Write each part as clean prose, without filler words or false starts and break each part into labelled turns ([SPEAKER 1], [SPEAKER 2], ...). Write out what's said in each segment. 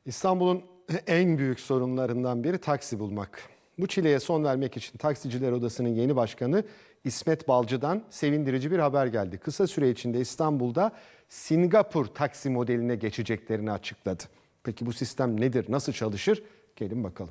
[SPEAKER 1] İstanbul'un en büyük sorunlarından biri taksi bulmak. Bu çileye son vermek için Taksiciler Odası'nın yeni başkanı İsmet Balcı'dan sevindirici bir haber geldi. Kısa süre içinde İstanbul'da Singapur taksi modeline geçeceklerini açıkladı. Peki bu sistem nedir, nasıl çalışır? Gelin bakalım.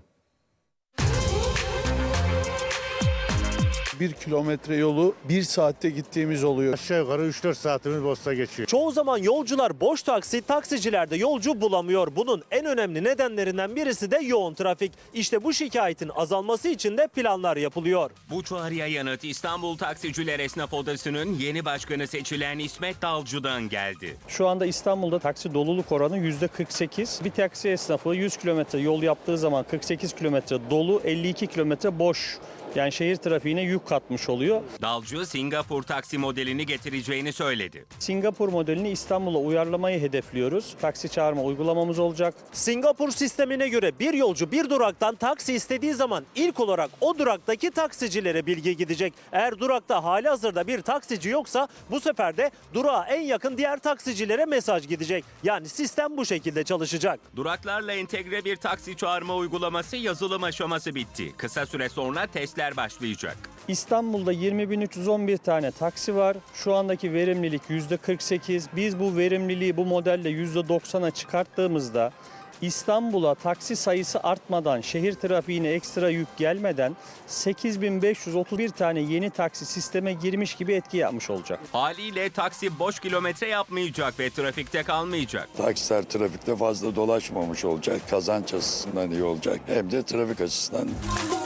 [SPEAKER 2] 1 kilometre yolu 1 saatte gittiğimiz oluyor.
[SPEAKER 3] Aşağı yukarı 3-4 saatimiz boşta geçiyor.
[SPEAKER 4] Çoğu zaman yolcular boş taksi, taksiciler de yolcu bulamıyor. Bunun en önemli nedenlerinden birisi de yoğun trafik. İşte bu şikayetin azalması için de planlar yapılıyor.
[SPEAKER 5] Bu çağrıya yanıt İstanbul Taksiciler Esnaf Odası'nın yeni başkanı seçilen İsmet Balcı'dan geldi.
[SPEAKER 6] Şu anda İstanbul'da taksi doluluk oranı %48. Bir taksi esnafı 100 kilometre yol yaptığı zaman 48 kilometre dolu, 52 kilometre boş. Yani şehir trafiğine yük katmış oluyor.
[SPEAKER 5] Balcı Singapur taksi modelini getireceğini söyledi.
[SPEAKER 6] Singapur modelini İstanbul'a uyarlamayı hedefliyoruz. Taksi çağırma uygulamamız olacak.
[SPEAKER 4] Singapur sistemine göre bir yolcu bir duraktan taksi istediği zaman ilk olarak o duraktaki taksicilere bilgi gidecek. Eğer durakta halihazırda bir taksici yoksa bu sefer de durağa en yakın diğer taksicilere mesaj gidecek. Yani sistem bu şekilde çalışacak.
[SPEAKER 5] Duraklarla entegre bir taksi çağırma uygulaması yazılım aşaması bitti. Kısa süre sonra testler başlayacak.
[SPEAKER 6] İstanbul'da 20.311 tane taksi var. Şu andaki verimlilik %48. Biz bu verimliliği bu modelle %90'a çıkarttığımızda İstanbul'a taksi sayısı artmadan, şehir trafiğine ekstra yük gelmeden 8.531 tane yeni taksi sisteme girmiş gibi etki yapmış olacak.
[SPEAKER 5] Haliyle taksi boş kilometre yapmayacak ve trafikte kalmayacak.
[SPEAKER 7] Taksiler trafikte fazla dolaşmamış olacak. Kazanç açısından iyi olacak. Hem de trafik açısından.